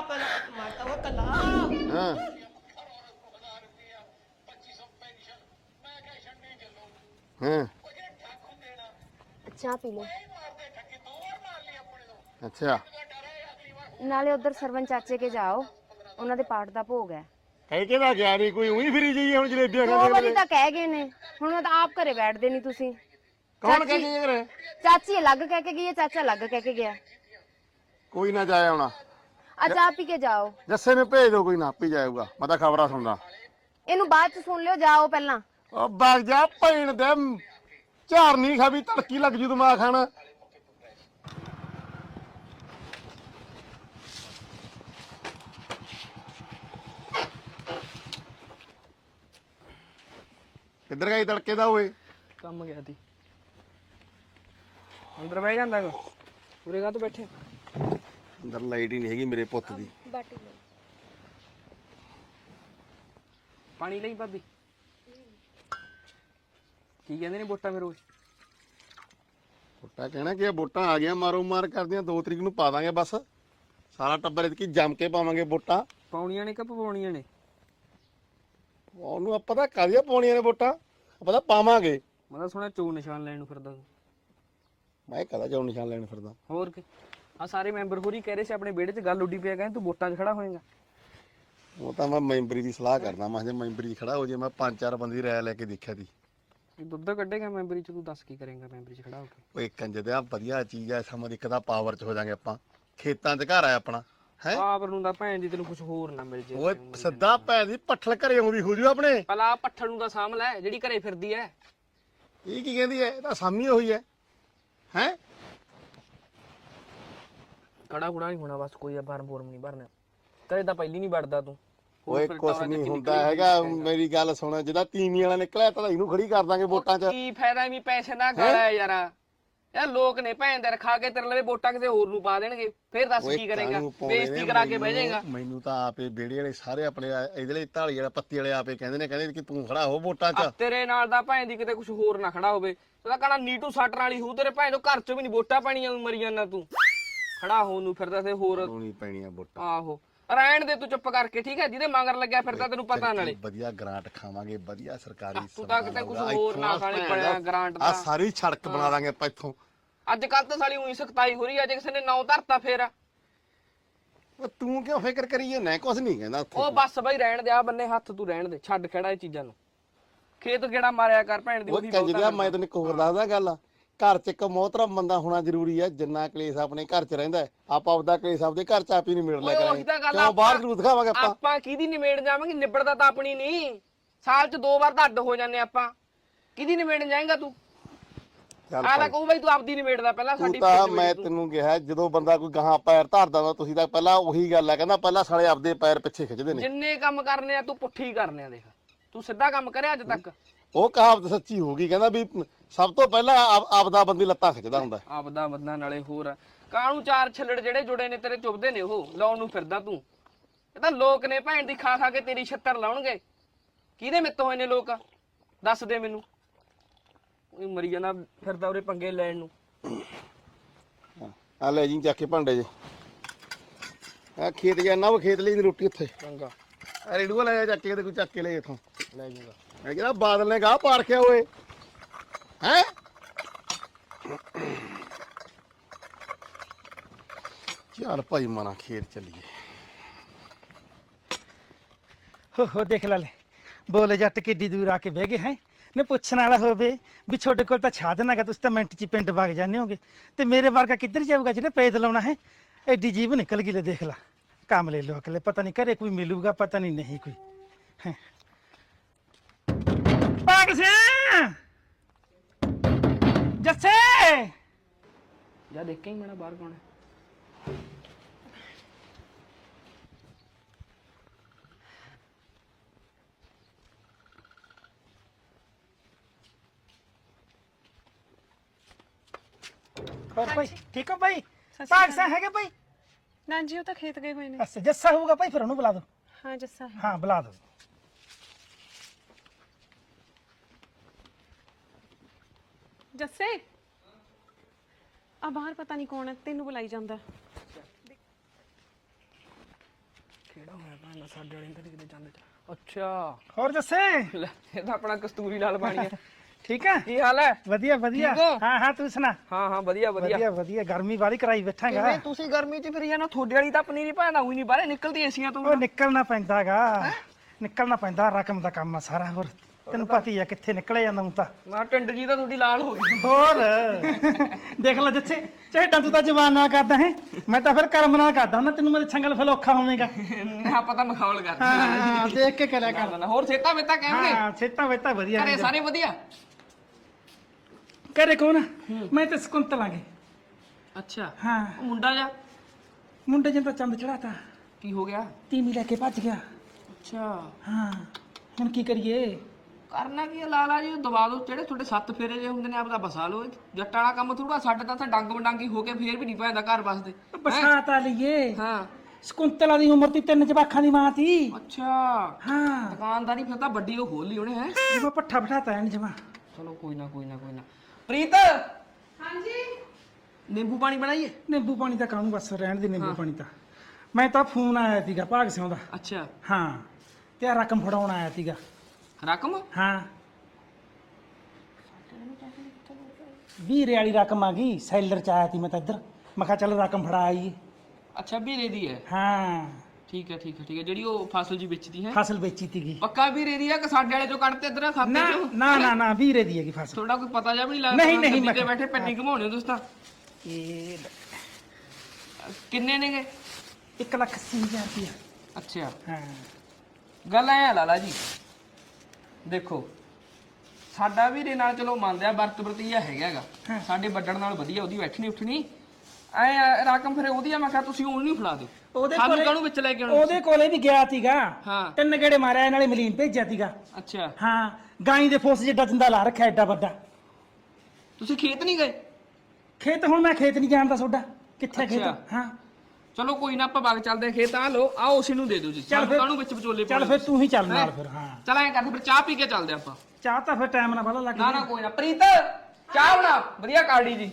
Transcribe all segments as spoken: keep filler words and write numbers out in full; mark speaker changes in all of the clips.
Speaker 1: ਮਾਰਤਾ ਉਹ ਕੱਲਾ
Speaker 2: ਹਾਂ ਹਾਂ
Speaker 3: ਚਾਹ ਪੀ ਲਓ।
Speaker 2: ਅੱਛਾ
Speaker 3: ਨਾਲੇ ਉਧਰ ਸਰਵਨ ਚਾਚੇ ਕੇ ਜਾਓ, ਉਹਨਾਂ ਦੇ ਪਾਠ ਦਾ ਭੋਗ ਹੈ।
Speaker 2: ਕਹਿ ਕੇ ਤਾਂ ਗਿਆ ਨਹੀਂ ਕੋਈ ਉਹੀ ਫਿਰੀ ਜਾਈਏ ਹੁਣ ਜਲੇਬੀਆਂ
Speaker 3: ਦੋ
Speaker 2: ਖਾਂਦੇ
Speaker 3: ਵਾਰੀ ਤਾਂ ਕਹਿ ਗਏ ਨੇ, ਹੁਣ ਉਹ ਤਾਂ ਆਪ ਘਰੇ ਬੈਠਦੇ ਨਹੀਂ ਤੁਸੀਂ।
Speaker 2: ਕੌਣ ਕਹਿ ਕੇ ਗਿਆ?
Speaker 3: ਚਾਚੀ ਅਲੱਗ ਕਹਿ ਕੇ ਗਈ ਹੈ, ਚਾਚਾ ਅਲੱਗ ਕਹਿ ਕੇ ਗਿਆ।
Speaker 2: ਕੋਈ ਨਾ ਜਾਇਆ ਹੋਣਾ।
Speaker 3: ਆ ਚਾਹ ਪੀ ਕੇ ਜਾਓ।
Speaker 2: ਜੱਸੇ ਨੂੰ ਭੇਜ ਦਿਓ, ਕੋਈ ਨਾ ਪੀ ਜਾਊਗਾ, ਮੈਂ ਤਾਂ ਖਬਰਾਂ ਸੁਣਦਾ।
Speaker 3: ਇਹਨੂੰ ਬਾਅਦ ਚ ਸੁਣ ਲਿਓ, ਜਾਓ ਪਹਿਲਾਂ।
Speaker 2: ਉਹ ਬਗ ਜਾ ਭੈਣ ਦੇ ਝਾਰ ਨਹੀਂ ਖਾਵੀ, ਧੜਕੀ ਲੱਗ ਜੂ ਦਿਮਾਗ ਖਾਣਾ। ਕਿੱਧਰ ਗਈ ਤੜਕੇ ਦਾ ਓਏ?
Speaker 4: ਕੰਮ ਗਿਆ ਸੀ ਅੰਦਰ ਬਹਿ ਜਾਂਦਾ ਕੋ ਉਰੇ ਕਾ ਤੂੰ ਬੈਠੇ
Speaker 2: ਅੰਦਰ ਲਾਈਟ ਹੀ ਨਹੀਂ ਹੈਗੀ ਮੇਰੇ ਪੁੱਤ ਦੀ।
Speaker 3: ਬਾਟੀ ਲਓ।
Speaker 4: ਪਾਣੀ ਲਈ ਭਾਬੀ। ਕੀ ਕਹਿੰਦੇ ਨੇ ਵੋਟਾਂ ਫਿਰ ਉਹ?
Speaker 2: ਵੋਟਾਂ ਕਹਿਣਾ ਕਿ ਵੋਟਾਂ ਆ ਗਈਆਂ, ਮਾਰੋ ਮਾਰ ਕਰਦੀਆਂ, ਦੋ ਤਰੀਕ ਨੂੰ ਪਾ ਦਾਂਗੇ ਬਸ। ਸਾਰਾ ਟੱਬਰ ਇਤਕੀ ਜੰਮ ਕੇ ਪਾਵਾਂਗੇ ਵੋਟਾਂ।
Speaker 4: ਪਾਉਣੀਆਂ ਨੇ ਕਿ ਪਵਾਉਣੀਆਂ ਨੇ?
Speaker 2: ਉਹਨੂੰ ਆਪਾਂ ਤਾਂ ਕਾਹਦੀਆਂ ਪਾਉਣੀਆਂ ਨੇ ਵੋਟਾਂ, ਆਪਾਂ ਤਾਂ ਪਾਵਾਂਗੇ।
Speaker 4: ਮੈਂ ਤਾਂ ਸੁਣਿਆ ਚੋਣ ਨਿਸ਼ਾਨ ਲੈਣ ਨੂੰ ਫਿਰਦਾ ਤੂੰ।
Speaker 2: ਮੈਂ ਕਹਦਾ ਜਾਉ ਨਿਸ਼ਾਨ ਲੈਣ ਫਿਰਦਾ।
Speaker 4: ਹੋਰ ਕੀ ਆ ਸਾਰੇ ਮੈਂਬਰ ਹੋਰੀ ਕਹਿ ਰਹੇ ਸੀ ਆਪਣੇ ਵਿਹੜੇ 'ਚ ਗੱਲ ਉੱਡੀ ਪਿਆ, ਕਹਿੰਦੇ ਤੂੰ ਵੋਟਾਂ 'ਚ ਖੜਾ ਹੋਏਗਾ।
Speaker 2: ਉਹ ਤਾਂ ਮੈਂ ਮੈਂਬਰੀ ਦੀ ਸਲਾਹ ਕਰਦਾ, ਮੈਂ ਜੇ ਮੈਂਬਰੀ 'ਚ ਖੜਾ ਹੋ ਜੇ। ਮੈਂ ਪੰਜ ਚਾਰ ਬੰਦੀ ਰਾਇ ਲੈ ਕੇ ਦੇਖਿਆ ਦੀ।
Speaker 4: ਦੁੱਧ ਕੱਢੇਗਾ ਮੈਂਬਰੀ 'ਚ, ਤੂੰ ਦੱਸ ਕੀ ਕਰੇਗਾ ਮੈਂਬਰੀ 'ਚ ਖੜਾ ਹੋ ਕੇ?
Speaker 2: ਉਹ ਇੱਕ ਇੰਜ ਦਾ ਵਧੀਆ ਚੀਜ਼ ਐ, ਸਮਝ ਇੱਕ ਤਾਂ ਪਾਵਰ 'ਚ ਹੋ ਜਾਾਂਗੇ ਆਪਾਂ। ਖੇਤਾਂ 'ਚ ਘਰ ਆ ਆਪਣਾ ਹੈ।
Speaker 4: ਆਪ ਨੂੰ ਤਾਂ ਭੈਣ ਦੀ ਤੈਨੂੰ ਕੁਝ ਹੋਰ ਨਾ ਮਿਲ ਜੇ।
Speaker 2: ਓਏ ਸਿੱਧਾ ਭੈਣ ਦੀ ਪੱਠਲ ਘਰੇ ਆਉਂਦੀ ਹੋ ਜੂ ਆਪਣੇ।
Speaker 4: ਭਲਾ ਪੱਠਲ ਨੂੰ ਤਾਂ ਸਾਂਭ ਲੈ ਜਿਹੜੀ ਘਰੇ ਫਿਰਦੀ ਐ।
Speaker 2: ਇਹ ਕੀ ਕਹਿੰਦੀ ਐ? ਇਹ ਤਾਂ ਸਾਮੀ ਹੋਈ ਐ ਹੈ।
Speaker 4: ਕੜਾ ਕੁੜਾ ਨਹੀਂ ਹੋਣਾ ਬਸ, ਕੋਈ ਆ ਫਾਰਮ ਫੋਰਮ ਨਹੀਂ ਭਰਨਾ। ਘਰੇ ਤਾਂ ਪਹਿਲੀ ਨਹੀਂ ਵੜਦਾ ਤੂੰ।
Speaker 2: ਓਏ ਕੁਛ ਨਹੀਂ ਹੁੰਦਾ ਹੈਗਾ, ਮੇਰੀ ਗੱਲ ਸੁਣ। ਜਿਹਦਾ ਤੀਵੀਂ ਵਾਲਾ ਨਿਕਲਿਆ ਤਾਂ ਇਹਨੂੰ ਖੜੀ ਕਰ ਦਾਂਗੇ ਵੋਟਾਂ 'ਚ।
Speaker 4: ਕੀ ਫਾਇਦਾ ਵੀ ਪੈਸੇ ਨਾ ਗਾਲਾ ਯਾਰ। ਯਾਰ ਲੋਕ ਨੇ ਭੈਣ ਦੇ ਰਖਾ ਕੇ ਤੇਰੇ ਲਈ ਵੋਟਾਂ ਕਿਸੇ ਹੋਰ ਨੂੰ ਪਾ ਦੇਣਗੇ, ਫੇਰ ਦੱਸ ਕੀ ਕਰੇਗਾ? ਬੇਇੱਜ਼ਤੀ ਕਰਾ ਕੇ ਬਹਿ ਜਾਏਗਾ।
Speaker 2: ਮੈਨੂੰ ਤਾਂ ਆਪੇ ਵਿਹੜੇ ਵਾਲੇ ਸਾਰੇ ਆਪਣੇ ਇਹਦੇ ਲਈ ਢਾਲੀ ਵਾਲਾ ਪੱਤੀ ਵਾਲੇ ਆਪੇ ਕਹਿੰਦੇ ਨੇ, ਕਹਿੰਦੇ ਕਿ ਤੂੰ ਖੜਾ ਹੋ ਵੋਟਾਂ 'ਚ।
Speaker 4: ਤੇਰੇ ਨਾਲ ਦਾ ਭੈਣ ਦੀ ਕਿਤੇ ਕੁਝ ਹੋਰ ਨਾ ਖੜਾ ਹੋਵੇ। ਤੂੰ ਤਾਂ ਕਹਣਾ ਨੀਟੂ ਸੱਟਣ ਵਾਲੀ ਹੂ, ਤੇਰੇ ਭੈਣ ਤੋਂ ਘਰ 'ਚ ਵੀ ਨਹੀਂ ਵੋਟਾਂ ਪਾਣੀਆਂ, ਮਰੀ ਜਾਂਦਾ ਤੂੰ। ਖੜਾ ਹੋਣ ਨੂੰ ਫਿਰਦਾ ਤੇ ਹੋਰ
Speaker 2: ਨਹੀਂ ਪੈਣੀਆਂ ਵੋਟਾਂ।
Speaker 4: ਆਹੋ ਰਹਿਣ ਦੇ ਤੂੰ ਚੁੱਪ ਕਰਕੇ, ਠੀਕ ਹੈ? ਜਿਹਦੇ ਮਗਰ ਲੱਗਿਆ ਫਿਰਦਾ ਤੈਨੂੰ ਪਤਾ ਨਾਲੇ।
Speaker 2: ਵਧੀਆ ਗ੍ਰਾਂਟ ਖਾਵਾਂਗੇ, ਵਧੀਆ ਸਰਕਾਰੀ।
Speaker 4: ਤੂੰ ਤਾਂ ਕਿਤੇ ਕੁਝ ਹੋਰ ਨਾ ਖਾਣੇ ਪੜਿਆ ਗ੍ਰਾਂਟ ਦਾ।
Speaker 2: ਆ ਸਾਰੀ ਸੜਕ ਬਣਾ ਦਾਂਗੇ ਆਪਾਂ ਇੱਥੋਂ। ਅੱਜ
Speaker 4: ਕੱਲ ਤਾਂ ਸਾਲੀ ਉਹੀ ਸਖਤਾਈ ਹੋ ਰਹੀ ਆ, ਜੇ ਕਿਸੇ ਨੇ ਨਾਂ ਧਰਤਾ ਫੇਰ।
Speaker 2: ਤੂੰ ਕਿਉਂ ਫਿਕਰ ਕਰੀਏ? ਨਾ ਕੁਛ ਨਹੀਂ ਕਹਿੰਦਾ ਉੱਥੇ।
Speaker 4: ਉਹ ਬਸ ਬਈ ਰਹਿਣ ਦੇ, ਆ ਬੰਨੇ ਹੱਥ ਤੂੰ ਰਹਿਣ ਦੇ, ਛੱਡ ਖੜਾ ਇਹ ਚੀਜ਼ਾਂ ਨੂੰ। ਖੇਤ ਕਿਹੜਾ ਮਾਰਿਆ ਕਰ ਭੈਣ ਦੀ।
Speaker 2: ਉਹੀ ਕੰਜਰਿਆ, ਮੈਂ ਤੈਨੂੰ ਇੱਕ ਹੋਰ ਦੱਸਦਾ ਗੱਲ। ਘਰ 'ਚ ਇੱਕ ਮੋਹਤਰਮ ਬੰਦਾ ਹੋਣਾ ਜ਼ਰੂਰੀ ਹੈ। ਜਿੰਨਾ ਕਲੇਸ਼ ਆਪਣੇ ਘਰ 'ਚ ਰਹਿੰਦਾ, ਆਪਾਂ ਆਪਦਾ ਕਲੇਸ਼ ਆਪਦੇ ਘਰ 'ਚ ਆਪ ਹੀ ਨਿਬੇੜ ਲਿਆ ਕਰਾਂਗੇ। ਕਿਉਂ ਬਾਹਰ ਜ਼ਰੂਰ ਦਿਖਾਵਾਂਗੇ ਆਪਾਂ? ਆਪਾਂ
Speaker 4: ਕਿਹਦੀ ਨਿਬੇੜ ਜਾਵਾਂਗੇ? ਨਿਬੜਦਾ ਤਾਂ ਆਪਣੀ ਨਹੀਂ। ਸਾਲ 'ਚ ਦੋ ਵਾਰ ਤਾਂ ਅੱਡ ਹੋ ਜਾਂਦੇ ਆਪਾਂ। ਕਿਹਦੀ ਨਿਬੇੜਨ ਜਾਏਗਾ ਤੂੰ? ਆਲਾ ਕਹੂ ਬਈ ਤੂੰ ਆਪਦੀ ਨਿਬੇੜਦਾ ਪਹਿਲਾਂ ਸਾਡੀ।
Speaker 2: ਤਾਂ ਮੈਂ ਤੈਨੂੰ ਕਿਹਾ, ਜਦੋਂ ਬੰਦਾ ਕੋਈ ਗਾਹਾਂ ਪੈਰ ਧਰਦਾ ਵਾ, ਤੁਸੀਂ ਤਾਂ ਪਹਿਲਾਂ ਉਹੀ ਗੱਲ ਹੈ, ਕਹਿੰਦਾ ਪਹਿਲਾਂ ਸਾਲੇ ਆਪਦੇ ਪੈਰ ਪਿੱਛੇ ਖਿੱਚਦੇ ਨੇ।
Speaker 4: ਜਿੰਨੇ ਕੰਮ ਕਰਨੇ ਆ ਤੂੰ ਪੁੱਠੀ ਕਰਨੇ ਆ। ਦੇਖ ਤੂੰ ਸਿੱਧਾ ਕੰਮ ਕਰਿਆ ਅੱਜ ਤੱਕ?
Speaker 2: ਉਹ ਕਹਾਵਤ ਸੱਚੀ ਹੋ ਗਈ, ਕਹਿੰਦਾ ਵੀ ਸਭ ਤੋਂ ਪਹਿਲਾਂ ਆਪਦਾ ਬੰਦੀ ਲੱਤਾਂ ਖਿੱਚਦਾ ਹੁੰਦਾ।
Speaker 4: ਆਪਦਾ ਬੰਦਾ ਨਾਲੇ ਹੋਰ ਕਾਹਨੂੰ ਚਾਰ ਛੱਲੜ ਜਿਹੜੇ ਜੁੜੇ ਨੇ ਤੇਰੇ ਚੁੱਭਦੇ ਨੇ, ਉਹ ਲਾਉਣ ਨੂੰ ਫਿਰਦਾ ਤੂੰ। ਇਹ ਤਾਂ ਲੋਕ ਨੇ ਭੈਣ ਦੀ ਖਾ ਖਾ ਕੇ ਤੇਰੀ ਛੱਤਰ ਲਾਉਣਗੇ। ਕਿਹਦੇ ਮਿੱਤ ਹੋਏ ਨੇ ਲੋਕ? ਦੱਸ ਦੇ ਮੈਨੂੰ। ਮਰੀ ਜਾਣਾ ਫਿਰਦਾ ਉਰੇ ਪੰਗੇ ਲੈਣ ਨੂੰ।
Speaker 2: ਆ ਲੈ ਜੀ ਚੱਕ ਕੇ ਭਾਂਡੇ ਜੇ। ਆ ਖੇਤ ਜਾਣਾ, ਉਹ ਖੇਤ ਲਈ ਰੋਟੀ ਉੱਥੇ।
Speaker 4: ਚੰਗਾ
Speaker 2: ਆ ਰੇੜੂਆ ਲੈ ਜਾ ਚੱਕ ਕੇ, ਤੇ ਕੋਈ ਚੱਕ ਕੇ ਲੈ ਇੱਥੋਂ
Speaker 4: ਲੈ ਜੂਗਾ।
Speaker 2: ਮੈਂ ਕਿਹਾ ਬਾਦਲ ਨੇ ਗਾਹ ਪਾ ਰਖਿਆ ਓਏ ਹੈ। ਚੱਲ ਭਾਈ ਮਾਨਾ ਖੇਤ ਚੱਲੀਏ।
Speaker 5: ਹੋ ਹੋ ਦੇਖ ਲੈ ਲੈ, ਬੋਲੇ ਜੱਟ ਕਿੱਡੀ ਦੂਰ ਆ ਕੇ ਬਹਿ ਗਏ ਹੈ। ਨੇ ਪੁੱਛਣ ਵਾਲਾ ਹੋਵੇ ਵੀ ਤੁਹਾਡੇ ਕੋਲ ਤਾਂ ਛਾ ਦੇਣਾਗਾ, ਤੁਸੀਂ ਤਾਂ ਮਿੰਟ 'ਚ ਪਿੰਡ ਵਗ ਜਾਂਦੇ ਹੋਗੇ, ਤੇ ਮੇਰੇ ਵਰਗਾ ਕਿੱਧਰ ਜਾਊਗਾ ਜਿਹਨੇ ਪੈਦਲ ਆਉਣਾ ਹੈ। ਐਡੀ ਜੀਭ ਨਿਕਲ ਗਈ ਲੈ, ਦੇਖ ਲਾ। ਕੰਮ ਲੈ ਲੋ ਅਕਲੇ, ਪਤਾ ਨਹੀਂ ਘਰੇ ਕੋਈ ਮਿਲੂਗਾ, ਪਤਾ ਨਹੀਂ ਨਹੀਂ ਕੋਈ ਹੈ। ਭਾਗ ਸਿੰਘ ਜੱਸੇ
Speaker 4: ਜਾ ਦੇਖ ਕੇ ਹੀ ਮੇਰਾ ਬਾਹਰ ਕੌਣ ਹੈ।
Speaker 5: ਹੋਰ ਭਾਈ ਠੀਕ ਹੋ ਭਾਈ? ਭਾਗ ਸਿੰਘ ਹੈਗੇ ਭਾਈ?
Speaker 6: ਨਾ ਜੀ ਉਹ ਤਾਂ ਖੇਤ ਗਏ ਹੋਏ ਨੇ।
Speaker 5: ਅੱਛਾ ਜੱਸਾ ਹੋਊਗਾ ਭਾਈ, ਫਿਰ ਉਹਨੂੰ ਬੁਲਾ ਦਿਓ।
Speaker 6: ਹਾਂ ਜੱਸਾ ਹੈ।
Speaker 5: ਹਾਂ ਬੁਲਾ ਦਿਓ।
Speaker 6: ਜੱਸੇ ਆ ਬਾਹਰ ਪਤਾ ਨਹੀਂ ਕੌਣ ਹੈ, ਤੈਨੂੰ ਬੁਲਾਈ ਜਾਂਦਾ।
Speaker 4: ਕਿਹੜਾ ਹੋਇਆ ਭਾਂ ਸਾਡੇ ਵਾਲੇ ਤਾਂ ਕਿਤੇ ਜਾਂਦੇ ਚ ਅੱਛਾ
Speaker 5: ਹੋਰ ਜੱਸੇ
Speaker 4: ਲੈ ਇਹ ਤਾਂ ਆਪਣਾ ਕਸਤੂਰੀ ਲਾਲ ਬਾਣੀ ਹੈ
Speaker 5: ਠੀਕ ਹੈ
Speaker 4: ਕੀ ਹਾਲ ਹੈ
Speaker 5: ਵਧੀਆ ਵਧੀਆ
Speaker 4: ਠੀਕ ਹੋ?
Speaker 5: ਹਾਂ ਹਾਂ ਤੂੰ ਸੁਣਾ
Speaker 4: ਹਾਂ ਹਾਂ ਵਧੀਆ ਵਧੀਆ
Speaker 5: ਵਧੀਆ ਵਧੀਆ ਗਰਮੀ ਵਾਲੀ ਕਰਾਈ ਬੈਠਾਂਗਾ
Speaker 4: ਕਿਵੇਂ ਤੁਸੀਂ ਗਰਮੀ ਚ ਫਿਰ ਜਾਣਾ ਤੁਹਾਡੇ ਵਾਲੀ ਤਾਂ ਪਨੀਰੀ ਭਾਣਾ ਹੋਈ ਨਹੀਂ ਬਾਹਰ ਨਿਕਲਦੀ ਏਸੀਆਂ ਤੋਂ
Speaker 5: ਉਹ ਨਿਕਲਣਾ ਪੈਂਦਾਗਾ ਨਿਕਲਣਾ ਪੈਂਦਾ ਰਕਮ ਦਾ ਕੰਮ ਆ ਸਾਰਾ ਹੋਰ ਤੈਨੂੰ ਪਤਾ ਹੀ ਆ ਕਿੱਥੇ ਨਿਕਲੇ ਜਾਂਦਾ ਹੁਣ ਤਾਂ
Speaker 4: ਮੈਂ ਟਿੰਡ ਜੀ ਤਾਂ ਤੁਹਾਡੀ ਲਾਲ ਹੋ ਗਈ
Speaker 5: ਹੋਰ ਦੇਖ ਲੈ ਜਿੱਥੇ ਚਾਹੇ ਤੂੰ ਤਾਂ ਜਵਾਨ ਨਾ ਕਰਦਾ ਹੈ ਮੈਂ ਤਾਂ ਫਿਰ ਕਰਮ ਨਾਲ ਕਰਦਾ ਹੁੰਦਾ ਤੈਨੂੰ ਮੇਰੇ ਛੰਗਲ ਫਿਰ ਔਖਾ ਹੋਵੇਗਾ
Speaker 4: ਆਪਾਂ ਤਾਂ ਮਖੌਲ ਕਰਦੇ
Speaker 5: ਹਾਂ ਦੇਖ ਕੇ ਕਰਿਆ ਕਰ
Speaker 4: ਹੋਰ ਸੇਤਾ ਮੇਤਾ ਕਹਿੰਦੇ
Speaker 5: ਹਾਂ ਛੇਤਾ ਵੇਤਾ ਵਧੀਆ
Speaker 4: ਘਰੇ ਸਾਰੇ ਵਧੀਆ
Speaker 5: ਕਰੇ ਕੌਣ ਮੈਂ ਤੇ ਸਕੁੰਤਲ ਆਂਗੇ
Speaker 4: ਅੱਛਾ
Speaker 5: ਹਾਂ
Speaker 4: ਉਹ ਮੁੰਡਾ ਜਾ
Speaker 5: ਮੁੰਡੇ ਜਿੰਦਾ ਚੰਦ ਚੜਾਤਾ
Speaker 4: ਕੀ ਹੋ ਗਿਆ
Speaker 5: ਤੀਵੀਂ ਲੈ ਕੇ ਭੱਜ ਗਿਆ
Speaker 4: ਅੱਛਾ
Speaker 5: ਹਾਂ ਹੁਣ ਕੀ ਕਰੀਏ
Speaker 4: ਕਰਨਾ ਕੀ ਆ, ਲਾਲਾ ਜੀ ਦਬਾ ਦੋ ਜਿਹੜੇ ਤੁਹਾਡੇ ਸੱਤ ਫੇਰੇ ਜੇ ਹੁੰਦੇ ਨੇ ਆਪਦਾ ਬਸਾ ਲਓ ਜੱਟਾਂ ਵਾਲਾ ਕੰਮ ਥੋੜਾ ਸਾਡੇ ਤਾਂ ਇੱਥੇ ਡੰਗ ਮੰਡਾਂਗੀ ਹੋ ਕੇ ਫੇਰ ਵੀ ਨਹੀਂ ਪੈਂਦਾ ਘਰ ਬਸਦੇ
Speaker 5: ਬਸਾਤਾ ਲਈਏ
Speaker 4: ਹਾਂ
Speaker 5: ਸਕੁੰਤਲਾ ਦੀ ਉਮਰ ਤੀ ਤਿੰਨ ਜਵਾਖਾਂ ਦੀ ਮਾਂ ਤੀ
Speaker 4: ਅੱਛਾ
Speaker 5: ਹਾਂ
Speaker 4: ਦੁਕਾਨਦਾਰੀ ਫਿਰ ਤਾਂ ਵੱਡੀ ਉਹ ਖੋਲ ਲਈ ਉਹਨੇ ਹੈ
Speaker 5: ਜਿਵੇਂ ਪੱਠਾ ਬਿਠਾਤਾ ਐਨ ਜਮਾ
Speaker 4: ਚਲੋ ਕੋਈ ਨਾ ਕੋਈ ਨਾ ਕੋਈ ਨਾ ਪ੍ਰੀਤ ਹਾਂਜੀ ਨਿੰਬੂ ਪਾਣੀ ਬਣਾਈਏ
Speaker 5: ਨਿੰਬੂ ਪਾਣੀ ਤਾਂ ਕਾਹਨੂੰ ਬਸ ਰਹਿਣ ਦੇ ਨਿੰਬੂ ਪਾਣੀ ਤਾਂ ਮੈਂ ਤਾਂ ਫੋਨ ਆਇਆ ਸੀਗਾ ਭਾਗ ਸਿਉਂ ਦਾ
Speaker 4: ਅੱਛਾ
Speaker 5: ਹਾਂ ਤੇ ਆਹ ਰਕਮ ਫੜਾਉਣ ਆਇਆ ਸੀਗਾ
Speaker 4: ਰਕਮ
Speaker 5: ਹਾਂ ਵੀਰੇ ਵਾਲੀ ਰਕਮ ਆ ਗਈ ਸੈਲਰ ਚ ਆਇਆ ਸੀ ਮੈਂ ਤਾਂ ਇੱਧਰ ਮੈਂ ਕਿਹਾ ਚੱਲ ਰਕਮ ਫੜਾ ਆਈਏ
Speaker 4: ਅੱਛਾ ਵੀਰੇ ਦੀ ਹੈ
Speaker 5: ਹਾਂ
Speaker 4: ਠੀਕ ਹੈ ਠੀਕ ਹੈ ਠੀਕ ਹੈ ਜਿਹੜੀ ਉਹ ਫਸਲ ਜੀ ਵੇਚਦੀ ਹੈ
Speaker 5: ਫਸਲ ਵੇਚੀ ਤੀਗੀ
Speaker 4: ਪੱਕਾ ਵੀਰੇ ਦੀ ਹੈ ਕਿ ਸਾਡੇ ਵਾਲੇ ਚੋਂ ਕੱਢਤੇ ਇਧਰ ਖਾਤੇ
Speaker 5: ਨਾ
Speaker 4: ਚੋਂ
Speaker 5: ਨਾ ਨਾ ਨਾ ਵੀਰੇ ਦੀ ਹੈਗੀ ਫਸਲ
Speaker 4: ਤੁਹਾਡਾ ਕੋਈ ਪਤਾ ਜਾਂ ਵੀ ਨਹੀਂ ਲੱਗਦਾ
Speaker 5: ਨਹੀਂ, ਨਹੀਂ, ਮੈਂ
Speaker 4: ਗੱਡੀ ਤੇ ਬੈਠੇ ਪੈਨੀ ਘਮਾਉਣੇ ਹੋ ਤੁਸੀਂ ਤਾਂ
Speaker 5: ਇਹ
Speaker 4: ਕਿੰਨੇ ਨੇਗੇ
Speaker 5: ਇੱਕ ਲੱਖ ਅੱਸੀ ਹਜ਼ਾਰ ਰੁਪਇਆ
Speaker 4: ਅੱਛਾ
Speaker 5: ਹਾਂ
Speaker 4: ਗੱਲ ਐ ਆ ਲਾਲਾ ਜੀ ਦੇਖੋ ਸਾਡਾ ਵੀਰੇ ਨਾਲ ਚਲੋ ਮੰਨਦੇ ਆ ਵਰਤ ਵਰਤੀਆ ਹੈਗਾਗਾ ਸਾਡੇ ਵੱਡਣ ਨਾਲ ਵਧੀਆ ਉਹਦੀ ਬੈਠਣੀ ਉੱਠਣੀ ਐ ਰਕਮ ਫਿਰ ਉਹਦੀ ਆ ਮੈਂ ਕਿਹਾ ਤੁਸੀਂ ਉਹਨੂੰ ਨਹੀਂ ਫੜਾ ਦਿਓ
Speaker 5: ਉਹਦੇ
Speaker 4: ਸਾਨੂੰ
Speaker 5: ਕੋਲੇ
Speaker 4: ਕਾਹਨੂੰ ਵਿੱਚ ਲੈ ਕੇ ਆਉਣਾ
Speaker 5: ਉਹਦੇ ਕੋਲੇ ਵੀ ਗਿਆ ਸੀਗਾ
Speaker 4: ਹਾਂ
Speaker 5: ਤਿੰਨ ਗੇੜੇ ਮਾਰਿਆ ਨਾਲੇ ਮਲੀਨ ਭੇਜਿਆ ਸੀਗਾ
Speaker 4: ਅੱਛਾ
Speaker 5: ਹਾਂ ਗਾਈ ਦੇ ਫੋਸ ਜਿੱਡਾ ਜਿੰਦਾ ਲਾ ਰੱਖਿਆ ਐਡਾ ਵੱਡਾ
Speaker 4: ਤੁਸੀਂ ਖੇਤ ਨਹੀਂ ਗਏ
Speaker 5: ਖੇਤ ਹੁਣ ਮੈਂ ਖੇਤ ਨਹੀਂ ਜਾਣਦਾ ਤੁਹਾਡਾ ਕਿੱਥੇ ਖੇਤ
Speaker 4: ਅੱਛਾ।
Speaker 5: ਹਾਂ
Speaker 4: ਚਲੋ ਕੋਈ ਨਾ ਆਪਾਂ ਬਾਗ ਚੱਲਦੇ ਆ ਖੇਤ ਆ ਲੋ ਆ ਉਸੇ ਨੂੰ ਦੇ ਦਿਓ ਜੀ
Speaker 5: ਚੱਲ
Speaker 4: ਸਾਨੂੰ
Speaker 5: ਫਿਰ-
Speaker 4: ਕਾਹਨੂੰ ਵਿੱਚ ਵਿਚੋਲੇ
Speaker 5: ਚੱਲ
Speaker 4: ਪਾਉਣੇ?
Speaker 5: ਫਿਰ ਤੂੰ ਹੀ ਚੱਲ ਨਾਲ ਫਿਰ ਹਾਂ
Speaker 4: ਚੱਲ ਐਂ ਕਰਦੇ ਫਿਰ ਚਾਹ ਪੀ ਕੇ ਚੱਲਦੇ ਆਪਾਂ
Speaker 5: ਚਾਹ ਤਾਂ ਫਿਰ ਟਾਈਮ ਨਾਲ ਵਾਲਾ ਲੱਗ
Speaker 4: ਨਾ ਨਾ ਕੋਈ ਨਾ ਪ੍ਰੀਤ ਚਾਹ ਬਣਾ ਵਧੀਆ ਕਾੜੀ ਜੀ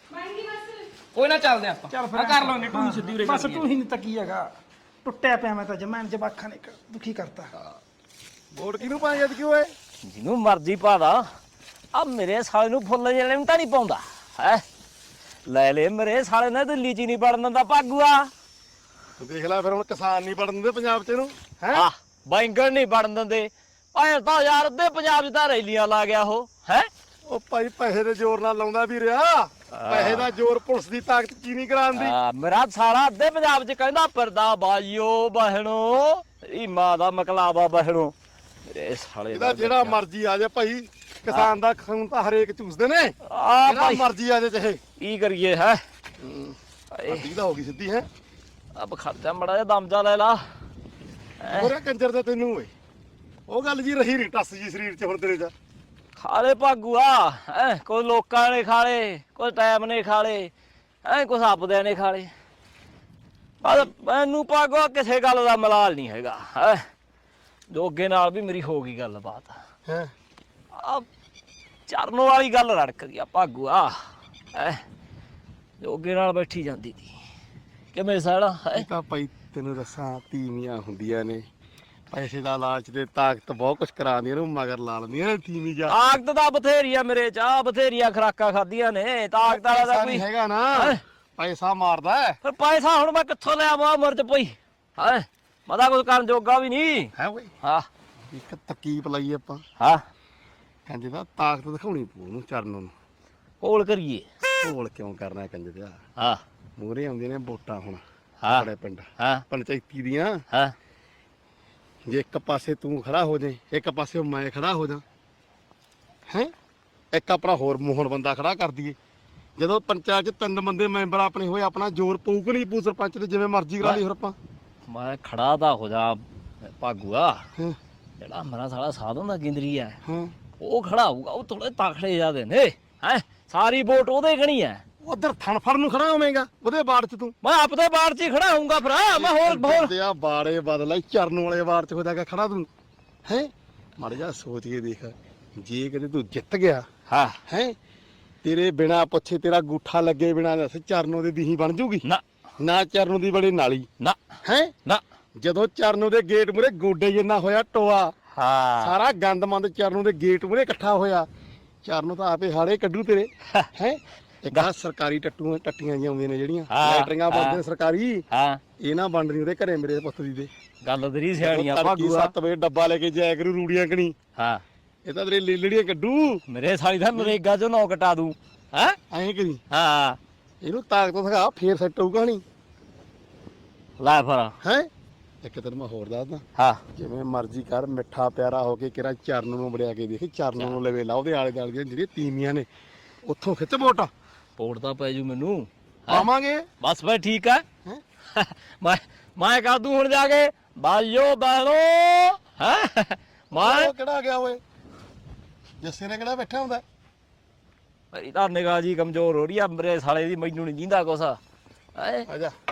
Speaker 4: ਕੋਈ ਨਾ ਚੱਲਦੇ ਆਪਾਂ
Speaker 5: ਚੱਲ ਫਿਰ
Speaker 4: ਆ ਕਰ ਲਵਾਂਗੇ ਤੂੰ ਸਿੱਧੀ ਉਰੇ
Speaker 5: ਬਸ
Speaker 4: ਚੱਲੀਏ।
Speaker 5: ਤੂੰ ਹੀ ਨਹੀਂ ਤੱਕੀ ਹੈਗਾ ਟੁੱਟਿਆ ਪਿਆ ਮੈਂ ਤਾਂ ਜਮਾਨ ਜਵਾਖਾਂ ਨੇ ਦੁਖੀ ਕਰਤਾ
Speaker 2: ਵੋਟ ਕਿਹਨੂੰ ਪਾਏ ਜਦ ਕਿਉਂ ਏ
Speaker 1: ਜਿਹਨੂੰ ਮਰਜ਼ੀ ਪਾਦਾ ਆ ਮੇਰੇ ਸਾਲੇ ਨੂੰ ਫੁੱਲ ਜਿਹੜੇ ਨੂੰ ਤਾਂ ਨਹੀਂ ਪਾਉਂਦਾ ਹੈ ਲੈ ਲੈ ਮੇਰੇ ਸਾਲੇ ਨੇ ਦਿੱਲੀ ਚ ਨਹੀਂ ਵੜਨ ਦਿੰਦਾ ਭਾਗੂਆ
Speaker 2: ਤੂੰ ਦੇਖ ਲੈ ਫਿਰ ਹੁਣ ਕਿਸਾਨ ਨਹੀਂ ਪੜਨ ਦਿੰਦੇ ਪੰਜਾਬ ਚ ਇਹਨੂੰ ਹੈ
Speaker 1: ਆ ਬੈਂਗਣ ਨਹੀਂ ਵੜਨ ਦਿੰਦੇ ਭਾਵੇਂ ਤਾਂ ਯਾਰ ਅੱਧੇ ਪੰਜਾਬ ਚ ਤਾਂ ਰੈਲੀਆਂ ਲਾ ਗਿਆ ਉਹ ਹੈ
Speaker 2: ਉਹ ਭਾਈ ਪੈਸੇ ਦੇ ਜ਼ੋਰ ਨਾਲ ਲਾਉਂਦਾ ਵੀ ਰਿਹਾ ਪੈਸੇ ਦਾ ਜ਼ੋਰ ਪੁਲਿਸ ਦੀ ਤਾਕਤ ਕੀ ਨਹੀਂ ਕਰਾਉਂਦੀ
Speaker 1: ਮੇਰਾ ਸਾਲਾ ਅੱਧੇ ਪੰਜਾਬ ਚ ਕਹਿੰਦਾ ਪਰਦਾ ਬਾਜੀਓ ਬਹਿਣੋ ਇਹ ਮਾਂ ਦਾ ਮਕਲਾਵਾ ਬਹਿਣੋ ਮੇਰੇ ਸਾਲੇ
Speaker 2: ਇਹਦਾ ਜਿਹੜਾ ਮਰਜ਼ੀ ਆ ਜਾ ਭਾਈ ਕਿਸਾਨ ਦਾ ਖੂਨ ਤਾਂ ਹਰੇਕ ਚੂਸਦੇ ਨੇ
Speaker 1: ਆ
Speaker 2: ਜਿਹੜਾ
Speaker 1: ਭਾਈ
Speaker 2: ਮਰਜ਼ੀ ਆ ਜਾ ਚਾਹੇ
Speaker 1: ਕੀ ਕਰੀਏ ਹੈ
Speaker 2: ਅੱਧੀ ਦਾ ਹੋ ਗਈ ਸਿੱਧੀ ਹੈ
Speaker 1: ਅਬ ਖਰਚਾ ਮੜਾ ਜਿਹਾ ਦਮ ਜਾ ਲੈ ਲਾ
Speaker 2: ਹੋਰੇ ਕੰਜਰ ਦਾ ਤੈਨੂੰ ਓਏ ਉਹ ਗੱਲ ਜੀ ਰਹੀ ਨਹੀਂ ਟੱਸ ਜੀ ਸਰੀਰ 'ਚ ਹੁਣ ਤੇਰੇ 'ਚ
Speaker 1: ਖਾਲੇ ਭਾਗੂਆ ਹੈ ਕੋਈ ਲੋਕਾਂ ਨੇ ਖਾਲੇ ਕੋਈ ਟਾਈਮ ਨੇ ਖਾਲੇ ਐ ਕੁਛ ਆਪਦਿਆਂ ਨੇ ਖਾਲੇ ਬਸ ਮੈਨੂੰ ਭਾਗੋ ਕਿਸੇ ਗੱਲ ਦਾ ਮਲਾਲ ਨਹੀਂ ਹੈਗਾ ਹੈ ਜੋਗੇ ਨਾਲ ਵੀ ਮੇਰੀ ਹੋ ਗਈ ਗੱਲਬਾਤ
Speaker 2: ਹੈ
Speaker 1: ਆ ਚਰਨ ਵਾਲੀ ਗੱਲ ਰੜਕ ਗਈ ਆ ਭਾਗੂਆ ਹੈ ਜੋਗੇ ਨਾਲ ਬੈਠੀ ਜਾਂਦੀ ਸੀ ਕਿਵੇਂ ਸਾਲਾ ਹੈ
Speaker 2: ਇਹ ਤਾਂ ਭਾਈ ਤੈਨੂੰ ਦੱਸਾਂ ਤੀਵੀਆਂ ਹੁੰਦੀਆਂ ਨੇ ਪੈਸੇ ਦਾ ਲਾਲਚ ਤੇ ਤਾਕਤ ਬਹੁਤ ਕੁਝ ਕਰਾਉਂਦੀਆਂ ਨੇ ਉਹ ਮਗਰ ਲਾ ਲੈਂਦੀਆਂ ਨੇ ਤੀਵੀਂ ਜਾ
Speaker 1: ਤਾਕਤ ਦਾ ਬਥੇਰੀ ਆ ਮੇਰੇ ਚ ਆ ਬਥੇਰੀਆਂ ਖਰਾਕਾਂ ਖਾਧੀਆਂ ਨੇ ਤਾਕਤ ਵਾਲਾ ਦਾ
Speaker 2: ਪੈਸਾ
Speaker 1: ਕੋਈ
Speaker 2: ਨਹੀਂ ਹੈਗਾ ਨਾ
Speaker 1: ਹੈਂ?
Speaker 2: ਪੈਸਾ ਮਾਰਦਾ ਹੈ
Speaker 1: ਫਿਰ ਪੈਸਾ ਹੁਣ ਮੈਂ ਕਿੱਥੋਂ ਲਿਆ ਮਾ ਮਰਜ ਪਈ ਹੈ ਮਦਾ ਕੁਝ ਕਰਨ ਜੋਗਾ ਵੀ ਨਹੀਂ
Speaker 2: ਹੈ ਓਏ
Speaker 1: ਹਾਂ
Speaker 2: ਇੱਕ ਤਕੀਪ ਲਈ ਆਪਾਂ
Speaker 1: ਹਾਂ
Speaker 2: ਕਹਿੰਦੇ ਦਾ ਤਾਕਤ ਦਿਖਾਉਣੀ ਪਊ ਉਹਨੂੰ ਚਰਨ ਨੂੰ
Speaker 1: ਕੋਲ ਕਰੀਏ
Speaker 2: ਢੋਲ ਕਿਉਂ ਕਰਨਾ ਕੰਜੇ ਦਾ
Speaker 1: ਹਾਂ
Speaker 2: ਮੂਹਰੇ ਆਉਂਦੀਆਂ ਨੇ ਵੋਟਾਂ ਹੁਣ
Speaker 1: ਹਾਂ
Speaker 2: ਸਾਡੇ ਪਿੰਡ
Speaker 1: ਹਾਂ
Speaker 2: ਪੰਚਾਇਤੀ ਦੀਆਂ
Speaker 1: ਹਾਂ
Speaker 2: ਜੇ ਇੱਕ ਪਾਸੇ ਤੂੰ ਖੜਾ ਹੋ ਜਾਏ ਇੱਕ ਪਾਸੇ ਮੈਂ ਖੜਾ ਹੋ ਜਾ ਹੈ ਇੱਕ ਆਪਣਾ ਹੋਰ ਮੋਹਨ ਬੰਦਾ ਖੜਾ ਕਰ ਦਈਏ ਜਦੋਂ ਪੰਚਾਇਤ 'ਚ ਤਿੰਨ ਬੰਦੇ ਮੈਂਬਰ ਆਪਣੇ ਹੋਏ ਆਪਣਾ ਜ਼ੋਰ ਪਊ ਕਿ ਨਹੀਂ ਪਊ ਸਰਪੰਚ ਤੇ ਜਿਵੇਂ ਮਰਜ਼ੀ ਕਰਾ ਲਈ ਹੋਰ ਆਪਾਂ
Speaker 1: ਮੈਂ ਖੜਾ ਤਾਂ ਹੋ ਜਾ ਭਾਗੂਆ
Speaker 2: ਹਾਂ
Speaker 1: ਜਿਹੜਾ ਮੇਰਾ ਸਾਲਾ ਸਾਧਨ ਦਾ ਗਿੰਦਰੀ ਹੈ
Speaker 2: ਹਾਂ
Speaker 1: ਉਹ ਖੜਾ ਹੋਊਗਾ ਉਹ ਥੋੜੇ ਤਾਖੜੇ ਜਾਦੇ ਨੇ ਹੈ ਸਾਰੀ ਵੋਟ ਉਹਦੇ ਗਣੀ ਹੈ
Speaker 2: ਉਧਰ ਥਣ ਫੜ ਨੂੰ ਖੜਾ ਹੋਵੇਂਗਾ ਉਹਦੇ ਬਾੜ 'ਚ ਤੂੰ
Speaker 1: ਮੈਂ ਆਪਦੇ ਬਾੜ 'ਚ ਹੀ ਖੜਾ ਹੋਊਗਾ ਭਰਾ ਮੈਂ ਹੋਰ ਹੋਰ
Speaker 2: ਤੇ ਆ ਬਾੜੇ ਬਦਲ ਚਰਨ ਵਾਲੇ ਬਾੜ 'ਚ ਹੋਦਾ ਖੜਾ ਤੂੰ ਹੈ ਮੜ ਜਾ ਸੋਚ ਕੇ ਦੇਖ ਜੇ ਕਦੇ ਤੂੰ ਜਿੱਤ ਗਿਆ
Speaker 1: ਹਾਂ
Speaker 2: ਹੈ ਤੇਰੇ ਬਿਨਾ ਪੁੱਛੇ ਤੇਰਾ ਗੂਠਾ ਲੱਗੇ ਬਿਨਾ ਦੱਸ ਚਰਨੋਂ ਦੀ ਦੀਹੀ ਬਣ ਜੂਗੀ
Speaker 1: ਨਾ
Speaker 2: ਨਾ ਚਰਨੋਂ ਦੀ ਬੜੇ ਨਾਲੀ
Speaker 1: ਨਾ
Speaker 2: ਹੈ
Speaker 1: ਨਾ
Speaker 2: ਜਦੋਂ ਚਰਨੋਂ ਦੇ ਗੇਟ ਮੂਰੇ ਗੋਡੇ ਜਿੰਨਾ ਹੋਇਆ ਟੋਆ
Speaker 1: ਹਾਂ
Speaker 2: ਸਾਰਾ ਗੰਦਮੰਦ ਚਰਨੋਂ ਦੇ ਗੇਟ ਮੂਰੇ ਇਕੱਠਾ ਹੋਇਆ। ਚਰਨੋਂ ਤਾਂ ਆਪੇ ਹਾੜੇ ਕੱਢੂ ਤੇਰੇ ਹੈ। ਇੱਕ ਆਹ ਸਰਕਾਰੀ ਟੱਟੂ ਟੱਟੀਆਂ ਜਿਹੀਆਂ ਆਉਂਦੀਆਂ ਨੇ ਜਿਹੜੀਆਂ
Speaker 1: ਹਾਂ,
Speaker 2: ਲੈਟਰੀਆਂ ਬਣਦੇ ਨੇ ਸਰਕਾਰੀ,
Speaker 1: ਹਾਂ
Speaker 2: ਇਹ ਨਾ ਬਣਦੀ ਉਹਦੇ ਘਰੇ ਮੇਰੇ ਪੁੱਤ ਦੀ ਦੇ।
Speaker 1: ਗੱਲ ਤੇਰੀ ਸਿਆਣੀਆਂ
Speaker 2: ਤੜਕੀ
Speaker 1: ਭਾਗੂਆ।
Speaker 2: ਸੱਤ ਵਜੇ ਡੱਬਾ ਲੈ ਕੇ ਜਾਇਆ ਕਰੂ ਰੂੜੀਆਂ ਕਣੀ।
Speaker 1: ਹਾਂ
Speaker 2: ਇਹ ਤਾਂ ਤੇਰੇ ਲੀਲੜੀਆਂ ਕੱਢੂ
Speaker 1: ਮੇਰੇ ਸਾਲੀ ਦਾ ਨਰੇਗਾ ਚੋਂ ਨੌ ਕਟਾ ਦੂੰ ਹੈ।
Speaker 2: ਐਂ ਕਰੀ
Speaker 1: ਹਾਂ
Speaker 2: ਇਹਨੂੰ ਤਾਕਤ ਦਿਖਾ ਫੇਰ ਸੈੱਟ ਹੋਊ ਕਹਾਣੀ
Speaker 1: ਲੈ ਫਿਰ
Speaker 2: ਹੈ। ਇੱਕ ਤੈਨੂੰ ਮੈਂ ਹੋਰ ਦੱਸਦਾ,
Speaker 1: ਹਾਂ
Speaker 2: ਜਿਵੇਂ ਮਰਜ਼ੀ ਕਰ ਮਿੱਠਾ ਪਿਆਰਾ ਹੋ ਕੇ ਕਿਹੜਾ ਚਰਨ ਨੂੰ ਵੜਿਆ ਕੇ ਦੇਖੀ। ਚਰਨ ਨੂੰ ਲਵੇ ਲਾ ਉਹਦੇ ਆਲੇ ਦੁਆਲੇ ਦੀਆਂ ਜਿਹੜੀਆਂ ਤੀਵੀਆਂ ਨੇ ਉੱਥੋਂ ਖਿੱਚ ਵੋਟ
Speaker 1: ਪੋੜ ਤਾਂ ਪੈ ਜੂ ਮੈਨੂੰ।
Speaker 2: ਪਾਵਾਂਗੇ।
Speaker 1: ਬਸ ਫਿਰ ਠੀਕ ਹੈ।
Speaker 2: ਹੈਂ?
Speaker 1: ਮੈਂ ਮੈਂ ਕਹ ਦੂੰ ਹੁਣ ਜਾ ਕੇ ਬਾਜੋ ਬਹਿਣੋ ਹੈ। ਮੈਂ
Speaker 2: ਉਹ ਕਿਹੜਾ ਗਿਆ ਓਏ? ਜੱਸੇ ਨੇ ਕਿਹੜਾ ਬੈਠਾ ਹੁੰਦਾ?
Speaker 1: ਮੇਰੀ ਤਾਂ ਨਿਗਾਹ ਜੀ ਕਮਜ਼ੋਰ ਹੋ ਰਹੀ ਆ ਮੇਰੇ ਸਾਲੇ ਦੀ, ਮੈਨੂੰ ਨਹੀਂ ਜਿੰਦਾ ਕੁਛ ਹੈ।
Speaker 2: ਆ ਜਾ